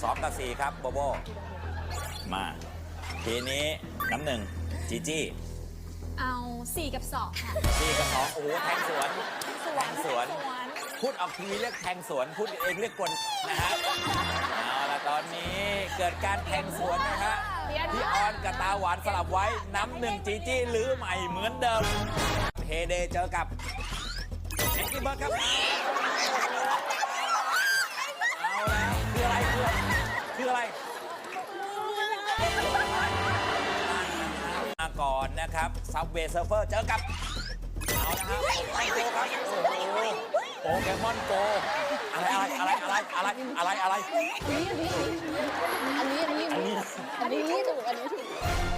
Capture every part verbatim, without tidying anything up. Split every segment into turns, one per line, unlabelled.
สองกับสี่ครับโบโบมาทีนี้น้ำหนึ่งจีจี้
เอาสี่กับสองค่ะ
สี่กับสองโอ้โหแทงสวน
สว
แท
น
งสวน
สวน
พูดออกทีวีเรียกแทงสวนพูดเองเรียกกลนะฮะเอาละตอนนี้เกิดการแทงสวนนะฮะพี่ออนกับตาหวานสลับไว้น้ำหนึ่งจีจี้หรือใหม่เหมือนเดิมเฮเดเจอกับแองกี้เบิร์ดครับเอาแล้วคืออะไรคืออะไรมาก่อนนะครับซับเวย์เซิร์ฟเฟอร์เจอกับเอาละครับไอโกครับโอ้โหโปเกมอนโกอะไรอะไรอะไรอะไรอะไรอะไร
อันนี้อันนี้
อันนี้
อันนี้ถูกอันนี้ถูก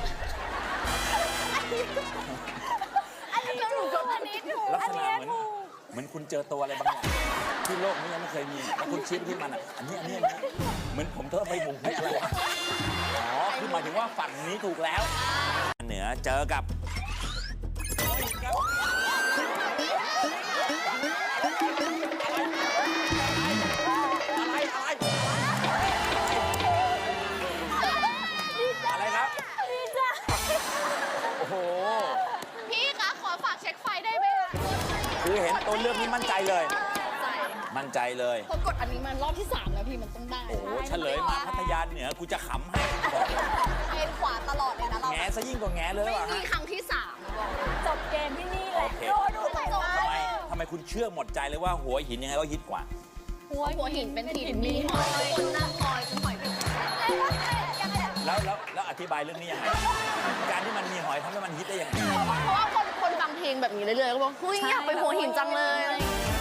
อันนี้ถูกอันนี้ถูก
ลักษณะเหมือนเหมือนคุณเจอตัวอะไรบางอย่างที่โลกนี้ยังไม่เคยมีแล้วคุณชี้ไปที่มันอ่ะอันนี้อันนี้อันนี้เหมือนผมเทอะไปหมุนให้อะไรวะอ๋อคือหมายถึงว่าฝั่งนี้ถูกแล้วเหนือเจอกับอะไรอะไรอะไรครับโอ้โห
พี่คะขอฝากเช็คไฟได้ไหมคะ
คือเห็นตัวเลือกนี้มั่นใจเลย
ใจ
มั่นใจเลย
พอกดอันนี้มันรอบที่สามแล้วพี่มันต้องได้
โอ้โหเฉลยมาพัทยาเหนือกูจะขำให้บอก
เอ็นขวาตลอดเลยนะเรา
แงซะยิ่งกว่าแงเลย
ไม่
ว่ะ
มีครั้งที่สามบอกจบเกมที่นี่แหละ
โอเค
โดนดูจบ
ทำไมทำไมคุณเชื่อหมดใจเลยว่าหัวหินยังไงก็ฮิตกว่า
หัวหัวหินเป็นหินมีหอยคนนั่งคอยเป็นหอยเป็นยังไง
แล้วแล้วแล้วอธิบายเรื่องนี้ยังไงการที่มันมีหอยทำให้มันฮิตได้ยังไง
เพราะว่าคนคนฟังเพลงแบบนี้เรื่อยๆก็บอกเฮ้ยอยากไปหัวหินจังเลยอะไรอย่างเงี้ย